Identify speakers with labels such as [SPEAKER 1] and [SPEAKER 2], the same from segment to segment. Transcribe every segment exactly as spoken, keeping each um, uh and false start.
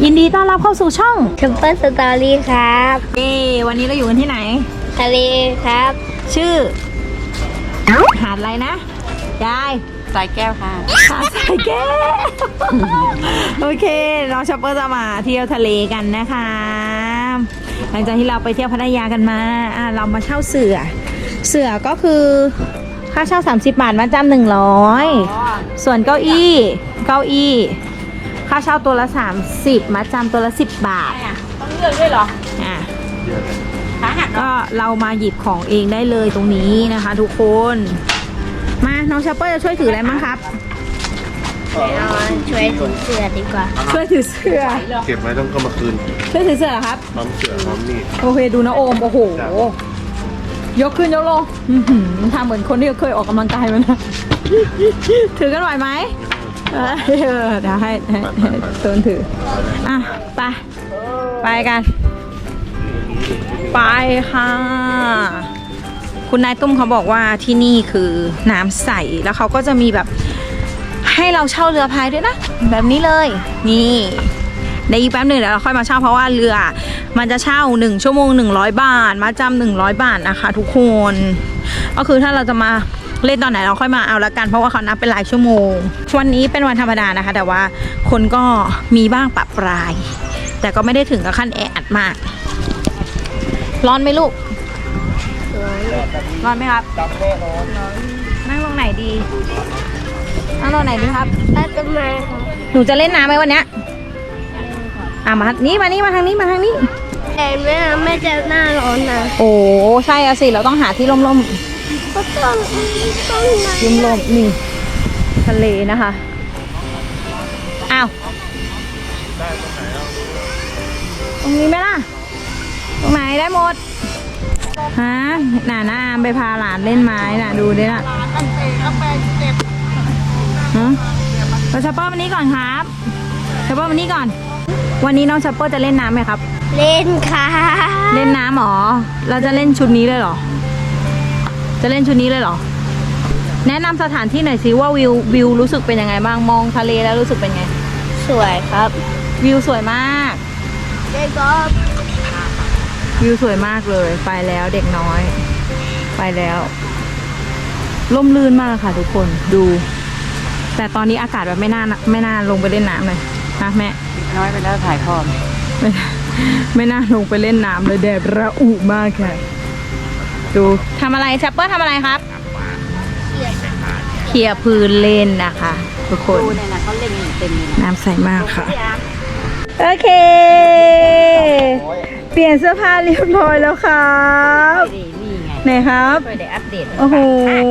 [SPEAKER 1] ยินดีต้อนรับเข้าสู่ช่อง
[SPEAKER 2] ซุปเปอร์สตอรี่ครับ
[SPEAKER 1] เย้วันนี้เราอยู่กันที่ไหน
[SPEAKER 2] ทะเลครับ
[SPEAKER 1] ชื่อหาดอะไรนะยาย
[SPEAKER 3] สายแก้วค่ะ
[SPEAKER 1] หาดสายแก้ว โอเคน้องช็อปเปอร์จะมาเที่ยวทะเลกันนะคะหลังจากที่เราไปเที่ยวพัทยากันมาอ่ะเรามาเช่าเสือเสือก็คือค่าเช่าสามสิบบาทมาจำหนึ่งร้อยส่วนเก้าอี้เก้าอี้ค่าเช่าตัวละสามสิบมาจำตัวละสิบบาท
[SPEAKER 3] ต้องเลือกด้วยเหรอ
[SPEAKER 1] อ่ะ
[SPEAKER 3] ขาหัก
[SPEAKER 1] ก็เรามาหยิบของเองได้เลยตรงนี้นะคะ ทุกคนมาน้องช็อปเปอร์จะช่วยถืออะไรมั้งครับ
[SPEAKER 2] เอาช่วยถึงเสือดีกว่า
[SPEAKER 1] ช่วยถือเสื้อ
[SPEAKER 4] เก็บไว้ต้องเข้ามาคืน
[SPEAKER 1] ช่วยถือเสื้อเหรอครับ
[SPEAKER 4] พร้อมเสือพร้อมนี่
[SPEAKER 1] โอเคดูนะโอมโอ้โหยกขึ้นยกลงอื้อหือทำเหมือนคนที่เคยออกกำลังกายมานะ ถือกันไหวไหมเออเดี๋ยวให้ให้ให้ตูนถืออ่ะไปไปกัน ไปค่ะ คุณนายตุ้มเขาบอกว่าที่นี่คือน้ำใสแล้วเขาก็จะมีแบบให้เราเช่าเรือพายด้วยนะ แบบนี้เลยนี่ในอีกแป๊บหนึ่งเดี๋ยวเราค่อยมาเช่าเพราะว่าเรือมันจะเช่าหนึ่งชั่วโมงหนึ่งร้อยบาทมาจำหนึ่งร้อยบาทนะคะ ทุกคนก็คือถ้าเราจะมาเล่นตอนไหนเราค่อยมาเอาละกันเพราะว่าเขานับเป็นหลายชั่วโมงวันนี้เป็นวันธรรมดานะคะ แต่ว่าคนก็มีบ้างปะปราย แต่ก็ไม่ได้ถึงกับขั้นแออัดมากร้อนไหมลูกร้อนไหมครับนั่งลงไหนดีนั่งลงไหนดีครับ
[SPEAKER 2] ใต้ต้นไม้ครับ
[SPEAKER 1] หนูจะเล่นน้ำไหมวันเนี้ยอ่ะมานี่มานี่มาทางนี้มาทางนี้
[SPEAKER 2] แต่แม่ไม่จะหน้าร้อนนะ
[SPEAKER 1] โอ้ใช่อะสิเราต้องหาที่ร่ม
[SPEAKER 2] ก็ต้องต้องนะ
[SPEAKER 1] ๆร่มร่มๆนี่ทะเลนะคะอ้าวตรงนี้ไหมล่ะตรงไหนได้หมดฮะน่าน้าอามไปพาหลานเล่นไม้น่ะดูดิน่ะฮะเราชัปเปอร์วันนี้ก่อนครับชัปเปอร์วันนี้ก่อน วันนี้น้องชัปเปอร์จะเล่นน้ำไหมครับ
[SPEAKER 2] เล่นค่ะ
[SPEAKER 1] เล่นน้ำหรอ เราจะเล่นชุดนี้เลยเหรอ จะเล่นชุดนี้เลยเหรอ แนะนำสถานที่หน่อยสิว่าวิววิวรู้สึกเป็นยังไงบ้าง มองทะเลแล้วรู้สึกเป็นไง
[SPEAKER 2] สวยครับ
[SPEAKER 1] วิวสวยมาก
[SPEAKER 2] เด็กก็
[SPEAKER 1] วิวสวยมากเลย ไปแล้วเด็กน้อย ไปแล้วร่มรื่นมากค่ะทุกคน ดู แต่ตอนนี้อากาศแบบไม่น่าไม่น่าลงไปเล่นน้ำเลยนะแม่
[SPEAKER 3] น้อยไปแล้วถ่ายทอด
[SPEAKER 1] ไม่ไม่น่าลงไปเล่นน้ำเลยแดดระอุมากค่ะ ดูทำอะไรแชปเปอร์ทำอะไรครับเคลียร์พื้นเล่นนะคะทุกคน
[SPEAKER 3] ดูเนี่ยนะเขาเล่นเต็มเลยนะ
[SPEAKER 1] น้ำใสมากค่ะ โอเค เปลี่ยนเสื้อผ้าเรียบร้อยแล้วครับ
[SPEAKER 3] นี่นี่ไง
[SPEAKER 1] ไหนครับ
[SPEAKER 3] ช่วยได้อัปเดต
[SPEAKER 1] โอ้โห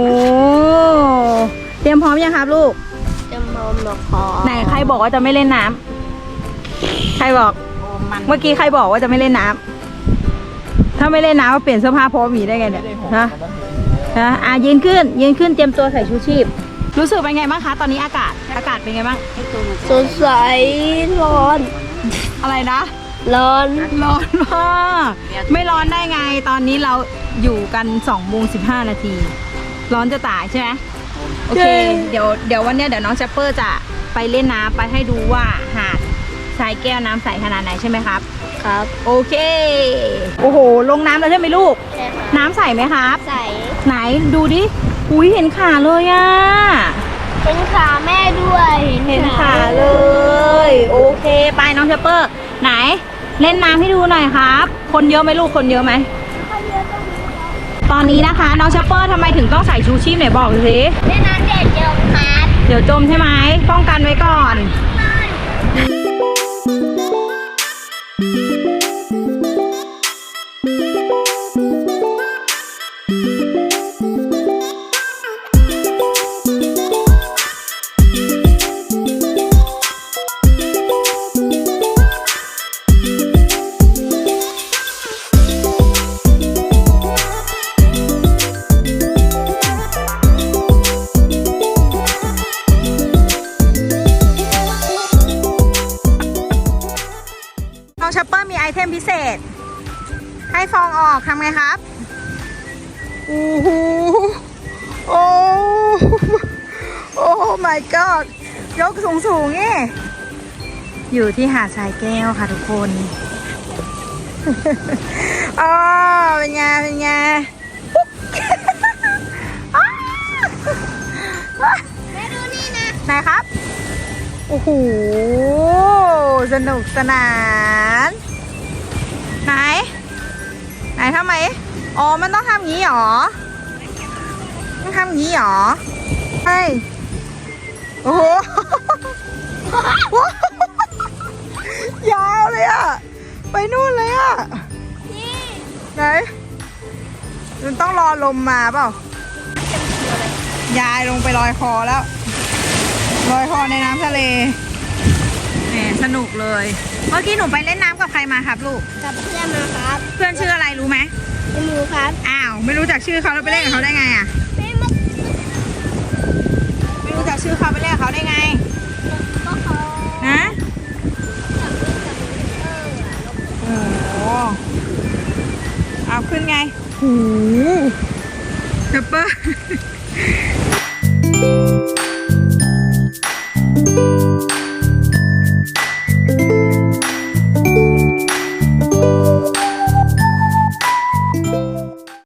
[SPEAKER 1] เตรียมพร้อมยังครับลูก
[SPEAKER 2] จะมอมมาขอ
[SPEAKER 1] ไหนใครบอกว่าจะไม่เล่นน้ำใครบอก
[SPEAKER 3] โอ้มัน
[SPEAKER 1] เมื่อกี้ใครบอกว่าจะไม่เล่นน้ำถ้าไม่เล่นน้ำก็เปลี่ยนเสื้อผ้าพร้อมหมีได้ไงเนี่ยฮะฮะอ่ะยืนขึ้นยืนขึ้นเตรียมตัวใส่ชูชีพ รู้สึกเป็นไงบ้างคะ ตอนนี้อากาศ อากาศเป็นไงบ้าง
[SPEAKER 2] สดใสร้อน
[SPEAKER 1] อะไรนะ
[SPEAKER 2] ร้อน
[SPEAKER 1] ร้อนมากไม่ร้อนได้ไง ตอนนี้เราอยู่กันสองโมงสิบห้านาที ร้อนจะตายใช่ไหมโอเค เดี๋ยวเดี๋ยววันเนี้ยเดี๋ยวน้องแชปเปอร์จะไปเล่นน้ำไปให้ดูว่าหาดทรายแก้วน้ำใสขนาดไหนใช่ไหมครับ
[SPEAKER 2] ครับ
[SPEAKER 1] โอเค โอ้โห ลงน้ำแล้วใช่ไหมลูก
[SPEAKER 2] ใช่ค่ะ
[SPEAKER 1] น้ำใสไหมครับ
[SPEAKER 2] ใส
[SPEAKER 1] ไหนดูดิ อุ้ยเห็นขาเลยอะ
[SPEAKER 2] เป็นขาแม่ด้วย
[SPEAKER 1] เห็นขาเลย โอเค ไปน้องเชปเปอร์ ไหน เล่นน้ำให้ดูหน่อยครับ คนเยอะไหมลูก คนเยอะไหม ตอนนี้นะคะน้องเชปเปอร์ทำไมถึงต้องใส่ชูชีพไหนบอกสิ
[SPEAKER 2] แม่น้ำเด็ดเดียวครับ
[SPEAKER 1] เดี๋ยวจมใช่ไหม ป้องกันไว้ก่อน น้องชัปเปอร์มีไอเทมพิเศษ ให้ฟองออกทำไงครับโอ้โหโอ้โอ้ my god ยกสูงสูงนี่อยู่ที่หาดทรายแก้วค่ะทุกคน อ๋อเป็นไงเป็นไง
[SPEAKER 2] แม่ดูนี่นะ
[SPEAKER 1] ไหนครับ โอ้โห สนุกสนาน ไหน ไหนทำไม อ๋อ มันต้องทำงี้หรอ ต้องทำงี้หรอใช่โอ้โห ยาวเลยอะไปนู่นเลยอะไหน มันต้องรอลมมาเปล่า ยายลงไปลอยคอแล้ว ลอยคอในน้ำทะเลแหมสนุกเลย เมื่อกี้หนูไปเล่นน้ำกับใครมาครับลูก
[SPEAKER 2] กับเพื่อนมาครับ
[SPEAKER 1] เพื่อนชื่ออะไรรู้ไหม
[SPEAKER 2] ไม่รู้ครับ
[SPEAKER 1] อ้าว ไม่รู้จักชื่อเขาแล้วไปเล่นกับเขาได้ไงอะ
[SPEAKER 2] ไม่มา
[SPEAKER 1] ไม่รู้จักชื่อเขาไปเล่นกับเขาได้ไง
[SPEAKER 2] ก็เขา
[SPEAKER 1] นะ
[SPEAKER 2] เออ
[SPEAKER 1] โอ้โหเอาขึ้นไงหูเปเปอร์